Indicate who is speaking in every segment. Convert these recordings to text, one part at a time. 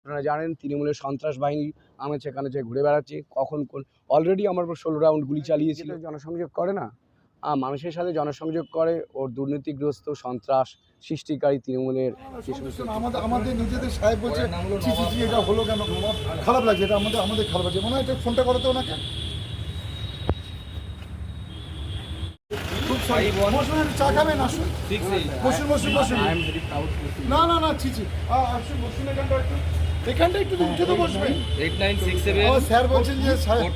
Speaker 1: আপনারা জানেন তৃণমূলের সন্ত্রাস বাহিনী আমার সেখানে যে ঘুরে বেড়াচ্ছে, কখন কোন অলরেডি আমার উপর 16 রাউন্ড গুলি চালিয়েছিল। জনসংযোগ করে না, মানুষের সাথে জনসংযোগ করে, ওর দুর্নীতিগ্রস্ত সন্ত্রাস সৃষ্টিকারী তৃণমূলের যে সমস্ত
Speaker 2: আমাদের নিজেদের সাহেব বলছে এটা হলো কেন, খারাপ লাগছে, এটা আমাদের খারাপ লাগছে। মনে হয় এটা ফোনটা করো তো ওনাকে। চা খাবেন, আসুন বসুন বসুন বসুন। না না না ছি আসুন বসুন, এখানটা একটু উঠে তো বসবেন। স্যার বলছেন যে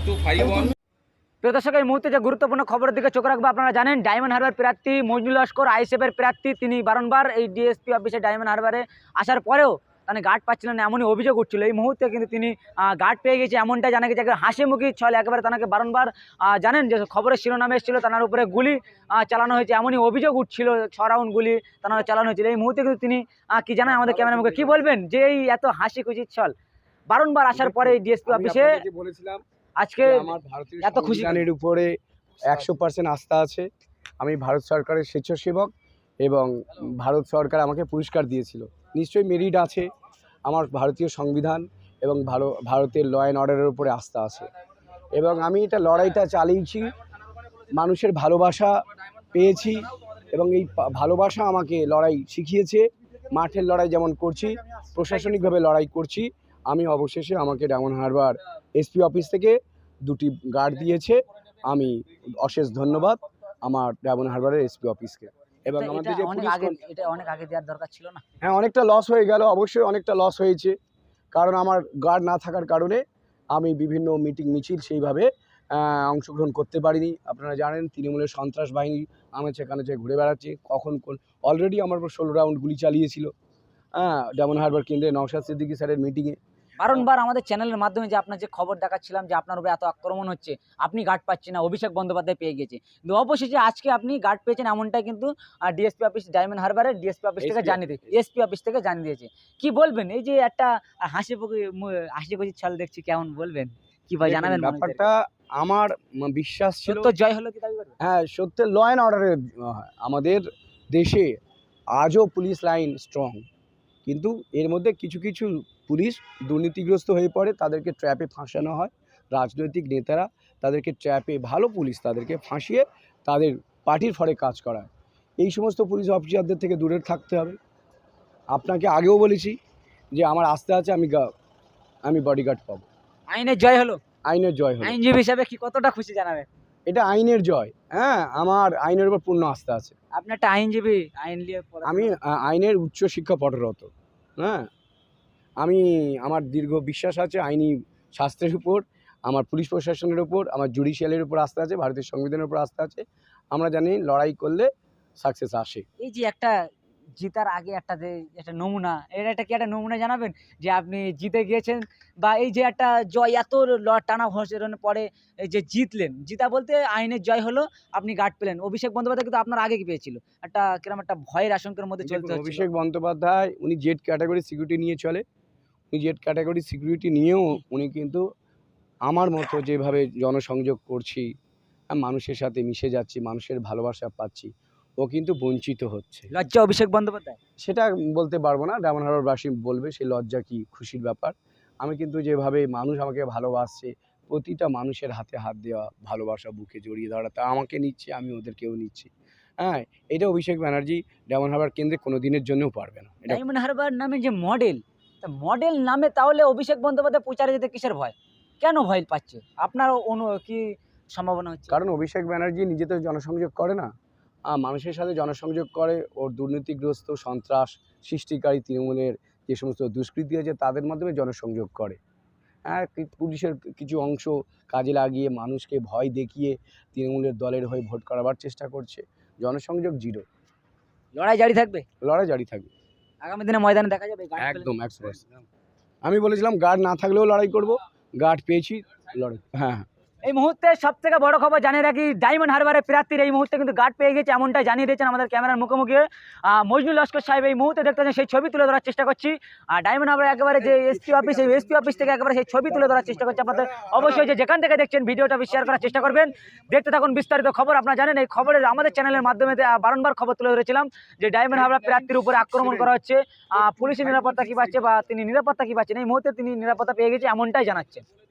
Speaker 3: প্রিয় দর্শক, এই মুহূর্তে যে গুরুত্বপূর্ণ খবরের দিকে চোখ রাখবো। আপনারা জানেন ডায়মন্ড হারবার প্রার্থী মজনুল লস্কর আইএসএফের প্রার্থী, তিনি বারংবার এই ডিএসপি অফিসে ডায়মন্ড হারবারে আসার পরেও তাহলে গার্ড পাচ্ছিলেন না, এমনই অভিযোগ উঠছিল। এই মুহূর্তে কিন্তু তিনি গার্ড পেয়ে গেছে, এমনটা জানা গেছে। হাসি মুখী ছল, একেবারে তাকে বারংবার জানেন যে খবরের শিরোনামে এসেছিল তার উপরে গুলি চালানো হয়েছে, এমনই অভিযোগ উঠছিল। 6 রাউন্ড গুলি তার চালানো হয়েছিল। এই মুহূর্তে কিন্তু তিনি কি জানেন আমাদের ক্যামেরা মুখে, কি বলবেন যে এই এত হাসি খুশি ছল বারংবার আসার পরে ডিএসপি অফিসে
Speaker 1: বলেছিলাম
Speaker 3: আজকে
Speaker 1: আমার ভারতীয়
Speaker 3: এত খুশি
Speaker 1: সংবিধানের উপরে 100% আস্থা আছে। আমি ভারত সরকারের স্বেচ্ছাসেবক এবং ভারত সরকার আমাকে পুরস্কার দিয়েছিল। নিশ্চয়ই মেরিট আছে। আমার ভারতীয় সংবিধান এবং ভারতের ল অ্যান্ড অর্ডারের উপরে আস্থা আছে এবং আমি এটা লড়াইটা চালিয়েছি, মানুষের ভালোবাসা পেয়েছি এবং এই ভালোবাসা আমাকে লড়াই শিখিয়েছে। মাঠের লড়াই যেমন করছি, প্রশাসনিকভাবে লড়াই করছি। আমি অবশেষে আমাকে ডায়মন্ড হারবার এসপি অফিস থেকে 2টি গার্ড দিয়েছে। আমি অশেষ ধন্যবাদ আমার ডায়মন্ড হারবারের এসপি অফিসকে। এবং আমাদের যে
Speaker 3: এটা অনেক আগে দেওয়ার দরকার ছিল না?
Speaker 1: হ্যাঁ, অনেকটা লস হয়ে গেল, অবশ্যই অনেকটা লস হয়েছে। কারণ আমার গার্ড না থাকার কারণে আমি বিভিন্ন মিটিং মিছিল সেইভাবে অংশগ্রহণ করতে পারিনি। আপনারা জানেন তৃণমূলের সন্ত্রাস বাহিনী আমার সেখানে যে ঘুরে বেড়াচ্ছে, কখন কোন অলরেডি আমার উপর 16 রাউন্ড গুলি চালিয়েছিল ডায়মন্ড হারবার কেন্দ্রে নওশাদ সিদ্দিকী স্যারের মিটিংয়ে।
Speaker 3: বারংবার আমাদের চ্যানেলের মাধ্যমে যে আপনার যে খবর দেখাচ্ছিলাম যে আপনার উপরে এত আক্রমণ হচ্ছে, আপনি গার্ড পাচ্ছেন না, অভিষেক বন্দ্যোপাধ্যায় পেয়ে গেছে। কিন্তু অবশেষে আজকে আপনি গার্ড পেয়েছেন, এমনটাই কিন্তু ডিএসপি অফিস ডায়মন্ড হারবারের ডিএসপি অফিস থেকে জানিয়ে দিয়েছে, এসপি অফিস থেকে জানিয়ে দিয়েছে। কি বলবেন এই যে একটা হাসি খুশি ছল দেখছি, কেমন বলবেন, কি ভাই জানাবেন?
Speaker 1: ব্যাপারটা আমার বিশ্বাস ছিল
Speaker 3: তো জয় হলো কি দাবি করবেন?
Speaker 1: হ্যাঁ, সত্যি ল অ্যান্ড অর্ডারের আমাদের দেশে আজও পুলিশ লাইন স্ট্রং, কিন্তু এর মধ্যে কিছু কিছু পুলিশ দুর্নীতিগ্রস্ত হয়ে পড়ে, তাদেরকে ট্র্যাপে ফাঁসানো হয়। রাজনৈতিক নেতারা তাদেরকে ট্র্যাপে, ভালো পুলিশ তাদেরকে ফাঁসিয়ে তাদের পার্টির ফরে কাজ করায়। এই সমস্ত পুলিশ অফিসারদের থেকে দূরে থাকতে হবে। আপনাকে আগেও বলেছি যে আমার আস্থা আছে, আমি বডিগার্ড পাবো।
Speaker 3: আইনের জয় হলো,
Speaker 1: আইনের জয় হলো।
Speaker 3: আইনজীবী হিসাবে কি কতটা খুশি জানাবেন?
Speaker 1: এটা আইনের জয়। হ্যাঁ, আমার আইনের উপর পূর্ণ আস্থা আছে।
Speaker 3: আপনি একটা আইনজীবী, আইন নিয়ে
Speaker 1: আমি আইনের উচ্চশিক্ষা পঠরত। হ্যাঁ, আমার দীর্ঘ বিশ্বাস আছে আইনি শাস্ত্রের উপর, আমার পুলিশ প্রশাসনের উপর, আমার জুডিশিয়ালের উপর আস্থা আছে, ভারতের সংবিধানের উপর আস্থা আছে। আমরা জানি লড়াই করলে সাকসেস আসে।
Speaker 3: এই যে একটা জিতার আগে একটা নমুনা, এটা কি একটা নমুনা জানাবেন যে আপনি জিতে গিয়েছেন, বা এই যে একটা জয় এত টানা ঘোষণার পরে এই যে জিতলেন, জিতা বলতে আইনের জয় হলো, আপনি গার্ড পেলেন। অভিষেক বন্দ্যোপাধ্যায় কিন্তু আপনার আগে কি পেয়েছিল, কিরকম একটা ভয়ের আশঙ্কার মধ্যে চলতে।
Speaker 1: অভিষেক বন্দ্যোপাধ্যায় উনি জেড ক্যাটাগরি সিকিউরিটি নিয়ে চলে। উনি জেড ক্যাটাগরি সিকিউরিটি নিয়েও উনি কিন্তু আমার মতো যেভাবে জনসংযোগ করছি, মানুষের সাথে মিশে যাচ্ছি, মানুষের ভালোবাসা পাচ্ছি, ও কিন্তু বঞ্চিত হচ্ছে।
Speaker 3: লজ্জা অভিষেক বন্দ্যোপাধ্যায়?
Speaker 1: সেটা বলতে পারবো না, ডায়মন্ড হারবারবাসী বলবে সেই লজ্জা কি খুশির ব্যাপার। আমি কিন্তু যেভাবে মানুষ আমাকে ভালোবাসছে, প্রতিটা মানুষের হাতে হাত দেওয়া, ভালোবাসা বুকে জড়িয়ে ধরা, তা আমাকে নিচ্ছে, আমি ওদেরকেও নিচ্ছি। হ্যাঁ, এটা অভিষেক ব্যানার্জি ডায়মন্ড হারবার কেন্দ্রে কোনো দিনের জন্যও পারবে না।
Speaker 3: ডায়মন্ড হারবার নামে যে মডেল নামে, তাহলে অভিষেক বন্দ্যোপাধ্যায় প্রচারে যেতে কিসের ভয়, কেন ভয় পাচ্ছে আপনার কি সম্ভাবনা হচ্ছে?
Speaker 1: কারণ অভিষেক ব্যানার্জি নিজে তো জনসংযোগ করে না, মানুষের সাথে জনসংযোগ করে, ওর দুর্নীতিগ্রস্ত সন্ত্রাস সৃষ্টিকারী তৃণমূলের যে সমস্ত দুষ্কৃতী আছে তাদের মাধ্যমে জনসংযোগ করে। হ্যাঁ, পুলিশের কিছু অংশ কাজে লাগিয়ে মানুষকে ভয় দেখিয়ে তৃণমূলের দলের হয়ে ভোট করাবার চেষ্টা করছে। জনসংযোগ জিরো।
Speaker 3: লড়াই জারি থাকবে?
Speaker 1: লড়াই জারি থাকবে।
Speaker 3: আগামী দিনে ময়দানে দেখা যাবে?
Speaker 1: একদম 100%। আমি বলেছিলাম গার্ড না থাকলেও লড়াই করব, গার্ড পেয়েছি, লড়াই। হ্যাঁ,
Speaker 3: এই মুহূর্তে সব থেকে বড় খবর জানিয়ে রাখি, ডায়মন্ড হারবারের প্রার্থীর এই মুহূর্তে কিন্তু গার্ড পেয়ে গেছে, এমনটাই জানিয়ে দিয়েছেন আমাদের ক্যামেরার মুখোমুখি মজনুল লস্কর সাহেব। এই মুহূর্তে দেখতে পাচ্ছেন সেই ছবি তুলে ধরার চেষ্টা করছি। ডায়মন্ড হারবার একেবারে যে এসপি অফিস, এই এসপি অফিস থেকে একেবারে সেই ছবি তুলে ধরার চেষ্টা করছি আপনাদের। অবশ্যই যে যেখান থেকে দেখছেন ভিডিওটা শেয়ার করার চেষ্টা করবেন। দেখতে থাকুন বিস্তারিত খবর। আপনারা জানেন এই খবরের আমাদের চ্যানেলের মাধ্যমে বারংবার খবর তুলে ধরেছিলাম যে ডায়মন্ড হারবার প্রার্থীর উপরে আক্রমণ করা হচ্ছে, পুলিশের নিরাপত্তা কী পাচ্ছে বা তিনি নিরাপত্তা কী পাচ্ছেন। এই মুহূর্তে তিনি নিরাপত্তা পেয়ে গেছে এমনটাই জানাচ্ছেন।